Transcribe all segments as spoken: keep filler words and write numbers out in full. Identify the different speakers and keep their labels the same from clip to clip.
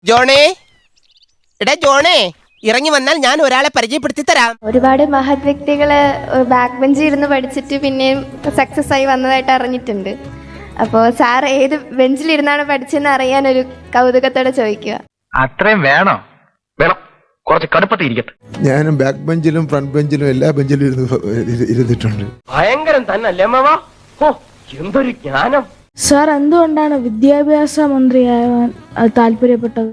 Speaker 1: ജോണേ, എടാ ജോണേ, ഇറങ്ങി വന്നാൽ ഞാൻ ഒരാളെ പരിചയപ്പെടുത്തി തരാം.
Speaker 2: ഒരുപാട് മഹത് വ്യക്തികള് ബാക്ക് ബെഞ്ചിൽ ഇരുന്ന് പഠിച്ചിട്ട് പിന്നെയും സക്സസ് ആയി വന്നതായിട്ട് അറിഞ്ഞിട്ടുണ്ട്. അപ്പോൾ സാർ ഏത് ബെഞ്ചിലിരുന്നാണ് പഠിച്ചെന്ന് അറിയാൻ ഒരു കൗതുകത്തോടെ ചോദിക്കുക.
Speaker 3: അത്രയും വേണോ? വേണം, കുറച്ച് കടുപ്പത്തിൽ ഇരിക്കട്ടെ.
Speaker 4: ഞാനും ബാക്ക് ബെഞ്ചിലും ഫ്രണ്ട് ബെഞ്ചിലും എല്ലാ ബെഞ്ചിലും ഇരുന്ന് ഇരുന്നിട്ടുണ്ട്.
Speaker 1: ഭയങ്കരം തന്നല്ലേ മാവാ? ഓ, എന്തൊരു ജ്ഞാനം!
Speaker 5: സാർ എന്തുകൊണ്ടാണ് വിദ്യാഭ്യാസ മന്ത്രിയാവാൻ താല്പര്യപ്പെട്ടത്?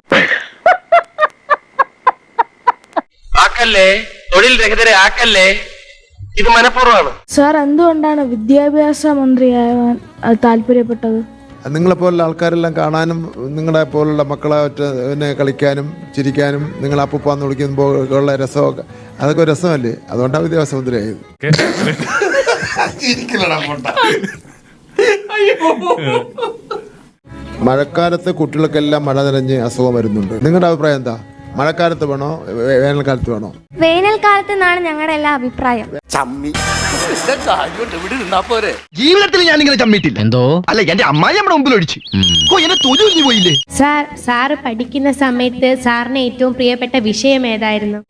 Speaker 3: ആക്കല്ലേ, തൊഴിൽ രഹിതരെ ആക്കല്ലേ, ഇത് മനഃപൂർവ്വമാണ്.
Speaker 5: സാർ എന്തുകൊണ്ടാണ് വിദ്യാഭ്യാസ മന്ത്രിയാവാൻ താല്പര്യപ്പെട്ടത്?
Speaker 4: നിങ്ങളെപ്പോലുള്ള ആൾക്കാരെല്ലാം കാണാനും നിങ്ങളെ പോലുള്ള മക്കളെ പിന്നെ കളിക്കാനും ചിരിക്കാനും നിങ്ങൾ അപ്പൂപ്പാന്ന് വിളിക്കുമ്പോൾ ഉള്ള രസമൊക്കെ അതൊക്കെ ഒരു രസമല്ലേ? അതുകൊണ്ടാണ് വിദ്യാഭ്യാസ മന്ത്രിയായത്. മഴക്കാലത്ത് കുട്ടികൾക്കെല്ലാം മഴ നനഞ്ഞ് അസുഖം വരുന്നുണ്ട്. നിങ്ങളുടെ അഭിപ്രായം എന്താ? മഴക്കാലത്ത് വേണോ വേനൽക്കാലത്ത് വേണോ?
Speaker 2: വേനൽക്കാലത്ത് എന്നാണ് ഞങ്ങളുടെ എല്ലാ അഭിപ്രായം.
Speaker 3: ജീവിതത്തിൽ ഞാൻ ഇങ്ങനെ ചമ്മിട്ടില്ല. എന്തോ അല്ല, എന്റെ അമ്മായി നമ്മുടെ മുമ്പിൽ ഒഴിച്ചു എന്നെ തൊഴിൽ പോയില്ലേ.
Speaker 6: സാർ സാറ് പഠിക്കുന്ന സമയത്ത് സാറിന് ഏറ്റവും പ്രിയപ്പെട്ട വിഷയം ഏതായിരുന്നു?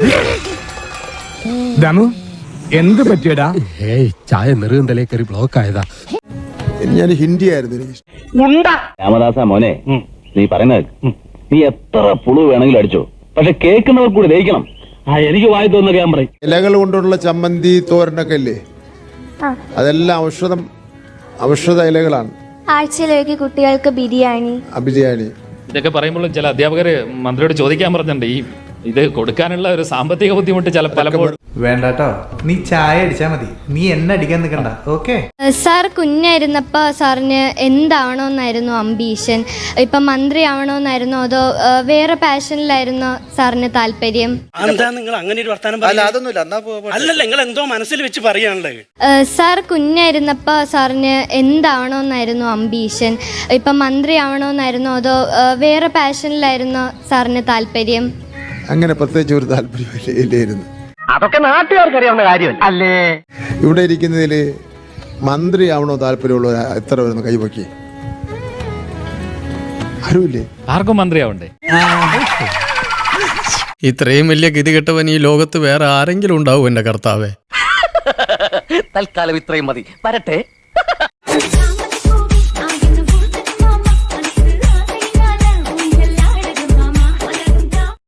Speaker 7: ദമു എന്ത് പറ്റിയടാ?
Speaker 8: ഏയ് ചായ നെറുകന്തലേ കയറി ബ്ലോക്ക് ആയതാ.
Speaker 4: ഞാൻ ഹിന്ദി ആയിരുന്നു എനിക്ക്.
Speaker 9: രാമദാസ മോനെ, നീ പറയുന്നത് നീ എത്ര പുളു വേണമെങ്കിലും അടിച്ചോ, പക്ഷെ കേൾക്കുന്നവർ കൂടി ദഹിക്കണം. ആ എനിക്ക് വായി തോന്നുന്ന ഞാൻ പറയും.
Speaker 4: ഇലകൾ കൊണ്ടുള്ള ചമ്മന്തി തോരനൊക്കെ ഇല്ലേ, അതെല്ലാം ഔഷധം ഔഷധ ഇലകളാണ്.
Speaker 2: ആഴ്ചയിലേക്ക് കുട്ടികൾക്ക് ബിരിയാണി
Speaker 4: ബിരിയാണി
Speaker 10: ഇതൊക്കെ പറയുമ്പോൾ ചില അധ്യാപകർ മന്ത്രിയോട് ചോദിക്കാൻ പറഞ്ഞിട്ടുണ്ട്, ഈ ഇത് കൊടുക്കാനുള്ള ഒരു സാമ്പത്തിക ബുദ്ധിമുട്ട് ചില പലപ്പോഴും.
Speaker 7: വേണ്ടാട്ടോ, നീ ചായ അടിച്ചാ മതി, നീ എന്നെ അടിക്കാൻ നിൽക്കണ്ട. ഓക്കെ
Speaker 2: സാർ കുഞ്ഞായിരുന്നപ്പോൾ സാറിന് എന്താവണമെന്നായിരുന്നു അംബീഷൻ? ഇപ്പം മന്ത്രി ആവണമെന്നായിരുന്നോ അതോ വേറെ പാഷനിലായിരുന്നോ സാറിന് താല്പര്യം?
Speaker 11: നിങ്ങൾ അങ്ങനെ ഒരു വർത്താനം അല്ലല്ല, നിങ്ങൾ എന്തോ മനസ്സിൽ വെച്ച് പറയാനുള്ളത്.
Speaker 2: സാർ കുഞ്ഞായിരുന്നപ്പോൾ സാറിന് എന്താവണമെന്നായിരുന്നു അംബീഷൻ? ഇപ്പം മന്ത്രി ആവണമെന്നായിരുന്നോ അതോ വേറെ പാഷനിലായിരുന്നോ സാറിന് താല്പര്യം?
Speaker 4: അങ്ങനെ പ്രത്യേകിച്ച് ഒരു താല്പര്യമില്ലായിരുന്നു.
Speaker 3: അതൊക്കെ നാട്ടുകാർക്ക് അറിയാവുന്ന കാര്യമല്ല അല്ലേ?
Speaker 4: ഇവിടെ ഇരിക്കുന്നതിൽ മന്ത്രി ആവണോ താല്പര്യമുള്ള എത്ര വരുന്നു കൈവക്കി? ആരുമില്ലേ?
Speaker 10: ആർക്കും മന്ത്രിയാവണ്ടേ?
Speaker 8: ഇത്രയും വലിയ ഗതി കെട്ടവൻ ഈ ലോകത്ത് വേറെ ആരെങ്കിലും ഉണ്ടാവും എന്റെ കർത്താവേ.
Speaker 1: തൽക്കാലം ഇത്രയും മതി. വരട്ടെ.